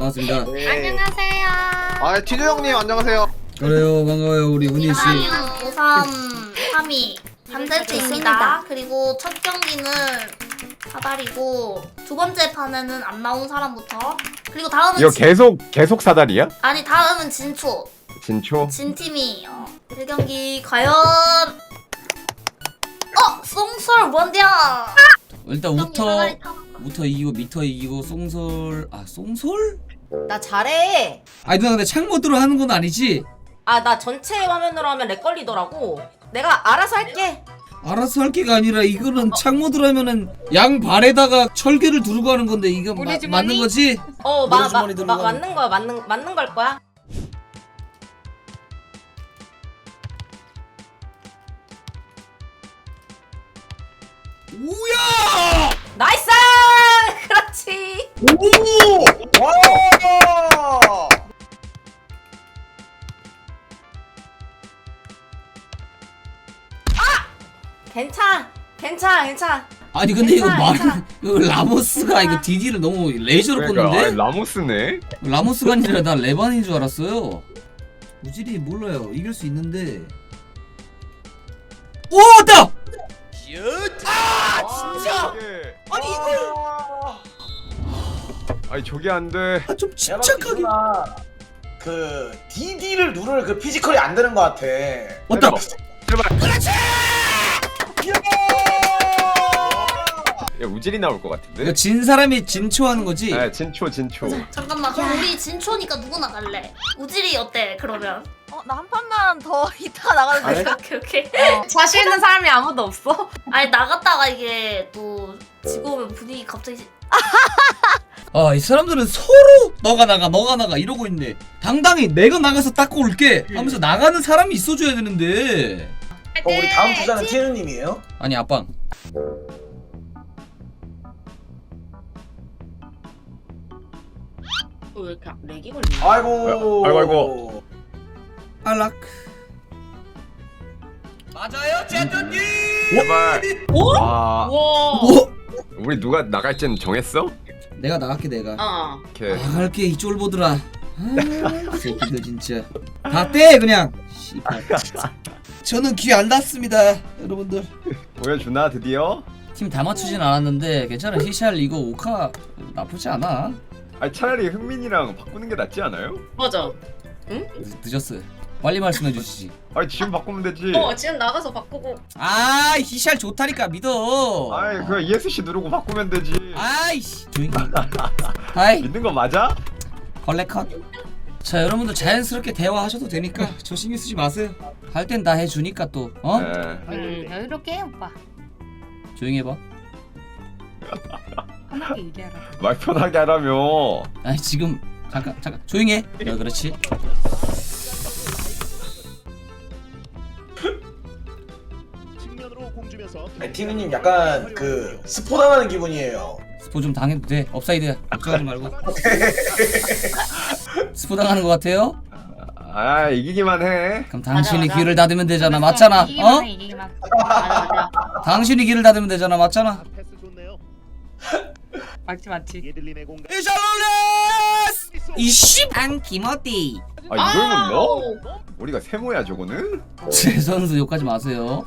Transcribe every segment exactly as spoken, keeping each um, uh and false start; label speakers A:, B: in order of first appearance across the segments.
A: 반갑습니다.
B: 네.
C: 안녕하세요.
B: 아, 티저 형님 안녕하세요.
A: 그래요, 반가워요, 우리 은희 씨.
C: 저는 오삼 삼이 반대트입니다. 그리고 첫 경기는 사다리고 두 번째 판에는 안 나온 사람부터, 그리고 다음은
D: 이거
C: 진...
D: 계속 계속 사다리야?
C: 아니 다음은 진초
D: 진초?
C: 진 팀이 어, 일 경기 과연 어 송설 뭔데야?
A: 일단 우터 우터 이기고 미터 이기고 송솔 아 송솔?
E: 나 잘해.
A: 아니 누나 근데 창모드로 하는 건 아니지?
E: 아, 나 전체 화면으로 하면 렉 걸리더라고. 내가 알아서 할게.
A: 알아서 할 게가 아니라 이거는 창모드로 하면은 양 발에다가 철개를 두르고 하는 건데 이거 마, 맞는 거지?
E: 어, 마, 마,
A: 주머니
E: 마,
A: 들어가는.
E: 맞는 거야. 맞는 맞는 걸 거야.
A: 우야!
E: 나이스! 그렇지.
B: 오! 와!
E: 괜찮아. 괜찮아. 괜찮아.
A: 아니 근데 이거
E: 괜찮아,
A: 말
E: 괜찮아.
A: 이거 라모스가 이거 디디를 너무 레이저로
D: 그러니까
A: 꽂는데?
D: 아니, 라모스네?
A: 라모스가 아니라 나 레반인 줄 알았어요. 우질이 몰라요. 이길 수 있는데. 오, 왔다!
D: 아
A: 진짜!
D: 아니 이걸 아니 저게 안돼.
A: 아, 좀
F: 내가
A: 침착하게.
F: 봤을 때 그 디디를 누를 그 피지컬이 안 되는 것 같아.
A: 왔다!
D: 제발.
A: 그렇지!
D: 야 우질이 나올 것 같은데?
A: 이거 진 사람이 진초하는 거지?
D: 네 진초 진초.
C: 잠깐만, 그럼 우리 진초니까 누구 나갈래? 우질이 어때 그러면?
G: 어, 나 한 판만 더 이따가 나가도
B: 아니,
G: 될까?
C: 오케이 오케이.
G: 어, 자신 있는 사람이 아무도 없어.
C: 아니 나갔다가 이게 또 지고 오면 분위기 갑자기
A: 아, 이 사람들은 서로 너가 나가 너가 나가 이러고 있네. 당당히 내가 나가서 닦고 올게 하면서 나가는 사람이 있어줘야 되는데.
F: 어, 우리 다음 주자는 티누님이에요?
A: 아니 아빵.
E: 왜 이렇게 렉이 걸리냐?
F: 아이고.
D: 아이고, 아이고.
A: 알락. 맞아요, 제트님.
D: 제발.
E: 오?
D: 와
E: 와.
A: 뭐?
D: 우리 누가 나갈지는 정했어?
A: 내가 나갈게 내가.
E: 어.
D: 이렇게.
A: 나갈게 이 쫄보들아. 아, 새끼들 진짜. 다 떼 그냥. 씨발. 저는 귀 안 닿습니다, 여러분들.
D: 보여주나 드디어?
A: 팀 다 맞추진 않았는데 괜찮아. 히샬 이거 오카 나쁘지 않아.
D: 아니 차라리 흥민이랑 바꾸는 게 낫지 않아요?
E: 맞아.
A: 늦- 늦었어. 빨리 말씀해 주시지.
D: 아니 지금 바꾸면 되지.
E: 어, 지금 나가서 바꾸고.
A: 아, 히샬 좋다니까 믿어.
D: 아이 그냥 이에스씨 누르고 바꾸면 되지.
A: 아이씨 조용히. 하이
D: 믿는 거 맞아?
A: 컬렉컷. 자 여러분들 자연스럽게 대화하셔도 되니까 저 신경 쓰지 마세요. 할 땐 다 해주니까 또 어?
D: 네.
G: 음, 여유롭게 해, 오빠.
A: 조용히 해봐.
G: 편하게 얘기하라.
D: 말 편하게 하라며.
A: 아니 지금 잠깐 잠깐 조용히 해. 어, 그렇지.
F: 아니, 티누님 약간 그 스포 당하는 기분이에요.
A: 스포 좀 당해도 돼. 업사이드야. 걱정하지 말고. 스포 당하는 것 같아요?
D: 아 이기기만 해.
A: 그럼 당신이
E: 맞아, 맞아.
A: 귀를 닫으면 되잖아. 맞잖아.
G: 이기기만
A: 어?
G: 해, 이기기만.
E: 맞아, 맞아.
A: 당신이 귀를 닫으면 되잖아. 맞잖아.
G: 맞지, 맞지.
A: 이샬롤레스! 이씨! 안 기모띠.
D: 아 이걸 못 넣어? 우리가 세모야 저거는?
A: 제 선수 욕하지 마세요.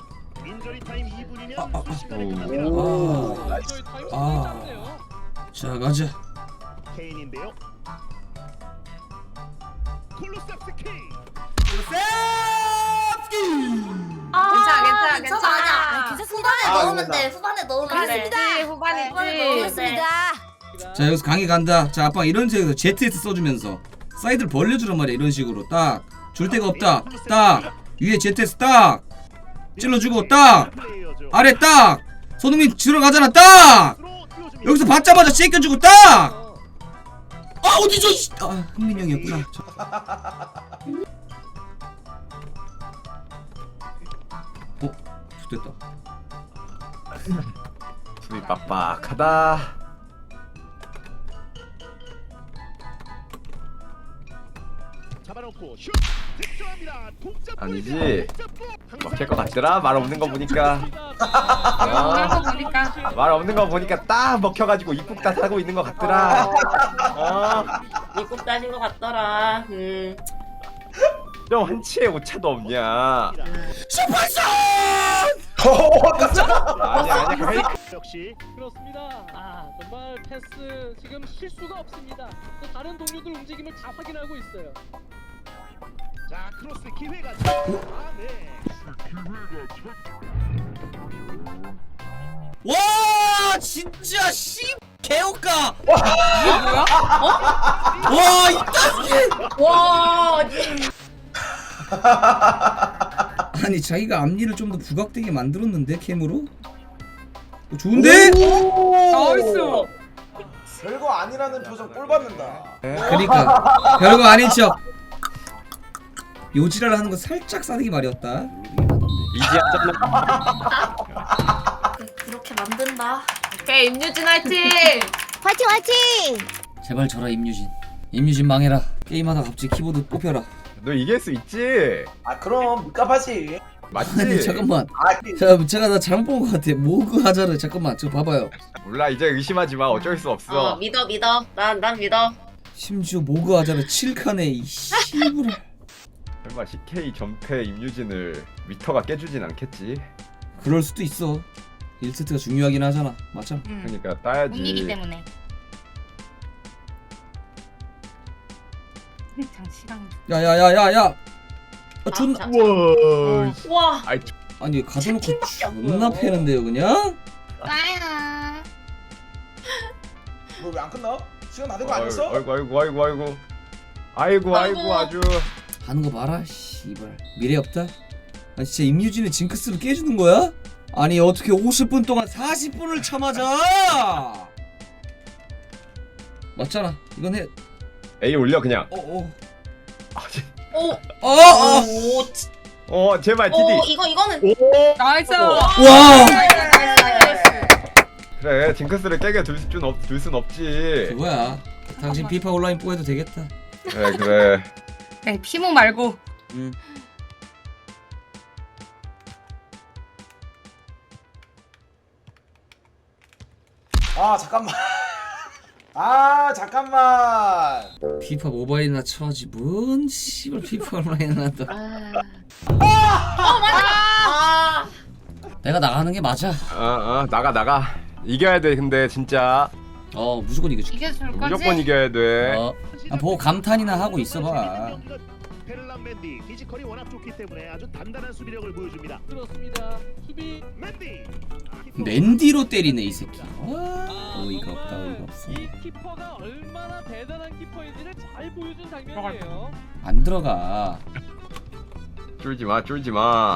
D: 오.
A: 아, 아. 자 가자.
C: 아,
G: 괜찮아, 괜찮아,
C: 괜찮아.
G: 괜찮아.
C: 아니야.
G: 아,
C: 후반에
F: 아,
C: 넣으면
F: 괜찮다.
C: 돼. 후반에 넣으면 돼.
G: 그렇습니다.
C: 후반에
G: 후반이지.
C: 넣으면 돼.
A: 자 여기서 강의 간다. 자 아빠 이런 식으로 제트에스 써주면서 사이드를 벌려주란 말이야. 이런 식으로 딱 줄 데가 없다. 딱 위에 제트에스 딱 찔러주고 딱 아래 딱 손흥민 들어가잖아. 딱 여기서 받자마자 씻겨주고 딱. 아 어디죠? 이씨. 아 흥민 형이었구나. 저- 어? 됐다.
D: 수비 빡빡하다. 아니지. 먹힐 것 같더라. 말 없는 거 보니까.
G: 그런 거 보니까.
D: 말 없는 거 보니까 딱 먹혀가지고 입국 다 타고 있는 것 같더라. 어.
E: 입국 따진 것 같더라. 음.
D: 좀 한치의 오차도 없냐.
F: 어, 깜짝아.
D: 아니 아니 거의
H: 역시 그렇습니다. 아 정말 패스 지금 실수가 없습니다. 또 다른 동료들 움직임을 다 확인하고 있어요. 자 크로스 기회가. 아 네.
A: 와 진짜 씨 개옥가.
E: 이게 뭐야? 어?
A: 와 이따.
E: 와.
A: 아니 자기가 앞니를 좀 더 부각되게 만들었는데 캠으로? 어, 좋은데?
E: 나이스.
F: 별거 아니라는 표정 꼴 받는다.
A: 그러니까 별거 아닌 척 요지랄 하는 거 살짝 싸대기 말이었다.
D: 이지하잖아.
C: 그렇게 만든다.
E: 오케이 임유진 화이팅.
G: 화이팅 화이팅.
A: 제발 져라 임유진. 임유진 망해라. 게임하다 갑자기 키보드 뽑혀라.
D: 너 이길 수 있지.
F: 아 그럼 묵갑하지.
D: 맞지.
A: 아니 잠깐만.
F: 아니
A: 자 제가 나 잘못 본 것 같아. 모그 하자를 잠깐만 저 봐봐요.
D: 몰라 이제 의심하지 마. 어쩔 수 없어.
E: 어 믿어 믿어. 난 난 믿어.
A: 심지어 모그 하자를 칠 칸에 이 씨부를.
D: 설마 씨케이 전패 임유진을 위터가 깨주진 않겠지.
A: 그럴 수도 있어. 일 세트가 중요하긴 하잖아. 맞죠?
G: 응.
D: 그러니까 따야지.
G: 운이기 때문에. 장시랑.
A: 야야야야야. 아 존나.
E: 자,
D: 우와.
E: 와.
D: 아이
A: 아니 가둬놓고
E: 치킨밖에 안
A: 존나
E: 보여.
A: 패는데요 그냥?
G: 나야.
F: 뭐 왜 안 끝나? 시간 다 된 거 아니었어?
D: 아이고 아이고 아이고 아이고 아이고 아이고
E: 아이고.
D: 아주.
A: 하는 거 봐라 씨발 미래 없다. 아 진짜 임유진의 징크스를 깨주는 거야? 아니 어떻게 오십 분 동안 사십 분을 참아자. 맞잖아 이건 해.
D: A 올려 그냥.
A: 어어
D: 아, 제-
E: 오.
A: 어어
E: 오. 치-
D: 어 제발
E: 오
D: 티디.
E: 이거 이거는.
D: 오.
G: 나이스.
A: 와
D: 그래 징크스를 깨게 둘 순 없, 둘 순 없지.
A: 그거야. 당신 피파 온라인 뽀해도 되겠다.
D: 그래 그래.
G: 네 피모 말고.
A: 응.
F: 아 잠깐만. 아 잠깐만.
A: 피파 모바일이나 쳐지 뭔 씨발 피파 온라인이나 또.
E: 아.
A: 내가 나가는 게 맞아.
D: 어어 나가 나가. 이겨야 돼 근데 진짜.
A: 어 무조건 이겨줄게.
G: 이겨줄 거지?
D: 무조건 이겨야 돼.
A: 어. 아, 보고 감탄이나 하고 있어봐.
H: 베를람 맨디 피지컬이 워낙 좋기 때문에 아주 단단한 수비력을 보여줍니다. 그렇습니다. 수비 맨디.
A: 맨디로 때리네 이 새끼. 와 어이가 없다 어이가 없어.
H: 이 키퍼가 얼마나 대단한 키퍼인지를 잘 보여준 장면이에요.
A: 안 들어가.
D: 쫄지 마 쫄지 마.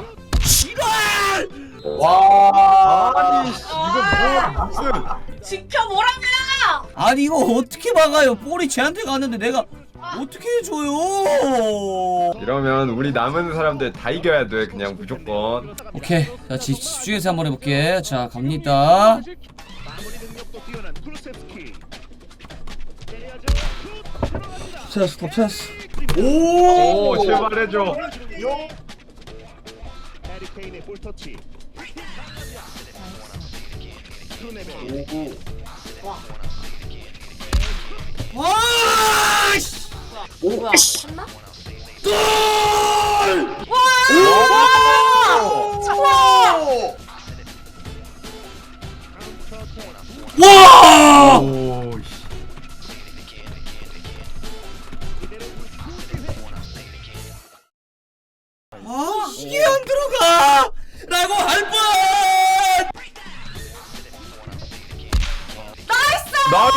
F: 와.
D: 아니 씨, 이거 뭐 무슨.
E: 지켜 뭐라고요?
A: 아니 이거 어떻게 막아요? 볼이 쟤한테 갔는데 내가 어떻게 해줘요?
D: 이러면 우리 남은 사람들 다 이겨야 돼 그냥 무조건.
A: 오케이 자 집- 집중해서 한번 해볼게. 자 갑니다.
H: 마무리 능력도 뛰어난 쿠루세프스키. 때려야죠. 슛 들어갑니다.
A: 찬스 톱 찬스.
F: 오.
D: 오 제발 해줘.
F: 용.
H: 해리 케인의 볼 터치. 크루네벨.
F: 오구.
A: 와 씨.
E: 뭐야?
C: 했나?
F: 오.
A: 와.
D: 오 씨.
A: 아 이게 안 들어가. 라고 할 뻔.
D: 나이스.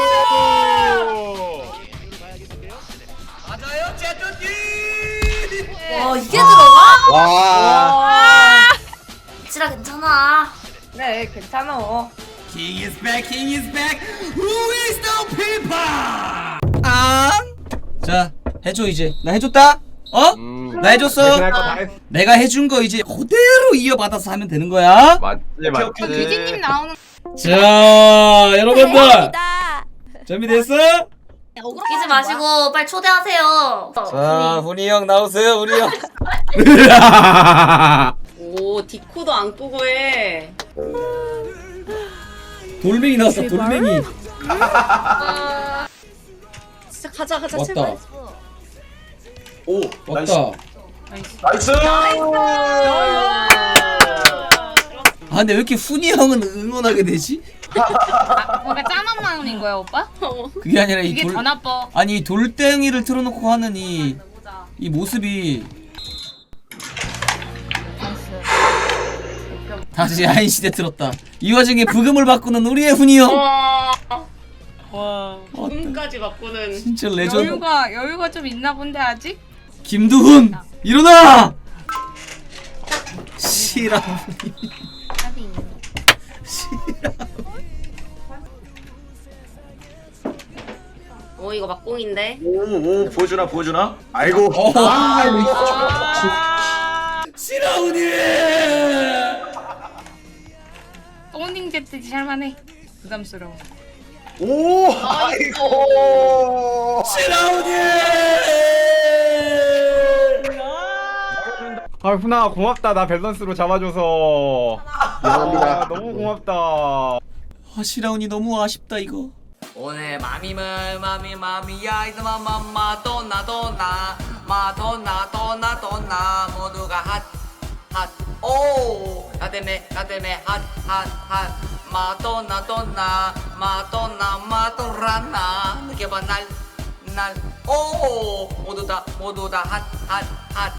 A: 맞아요 제트님.
C: 와 이게 들어가?
F: 와.
C: 지라 괜찮아.
E: 네 괜찮아.
A: King is back, King is back. Who is the people? 아. 자 해줘 이제. 나 해줬다. 어?
D: 음,
A: 나 해줬어.
D: 대신할 거다 했어.
A: 내가 해준 거 이제 그대로 이어받아서 하면 되는 거야.
D: 맞지 맞지.
G: 규진님 나오는.
A: 자 여러분들 준비됐어?
C: 웃기지 마시고 빨리 초대하세요.
D: 자 훈이 형 나오세요 훈이 형.
E: 오 디코도 안 끄고 해.
A: 돌멩이 나왔어 돌멩이.
E: 진짜 가자 가자
A: 왔다
E: 제발.
F: 오 나이스.
A: 왔다.
F: 나이스.
A: 아 근데 왜 이렇게 훈이 형은 응원하게 되지?
G: 뭔가 짠한 마음인 거야 오빠?
A: 그게 아니라 이
G: 이게
A: 돌
G: 더 나빠.
A: 아니 이 돌덩이를 틀어놓고 하는 이 이 모습이 다시 아인 시대 들었다. 이 와중에 부금을 바꾸는 우리의 훈이 형.
E: 와
A: 왔다.
E: 지금까지 바꾸는.
A: 진짜 레전드.
G: 여유가 여유가 좀 있나 본데 아직?
A: 김두훈 일어나. 시라.
E: 오 이거 막공인데.
F: 오오 보여주나 보여주나. 아이고.
A: 어.
F: 아,
A: 시라훈이.
G: 또닝 제트지 할만해. 부담스러워.
F: 오 아이고.
A: 시라훈이.
D: 아 훈아 고맙다 나 밸런스로 잡아줘서.
B: 미안합니다.
D: 아, 너무 고맙다.
A: 아 시라훈이 너무 아쉽다 이거.
I: 오늘 마미물 마미 마미야 이놈아 맘마 도나 도나 마도나 도나 도나 모두가 핫핫오 나 때문에 나 때문에 핫핫핫 마도나 도나 마도나 마도라나 느껴봐 날날오 모두 다 모두 다 핫핫핫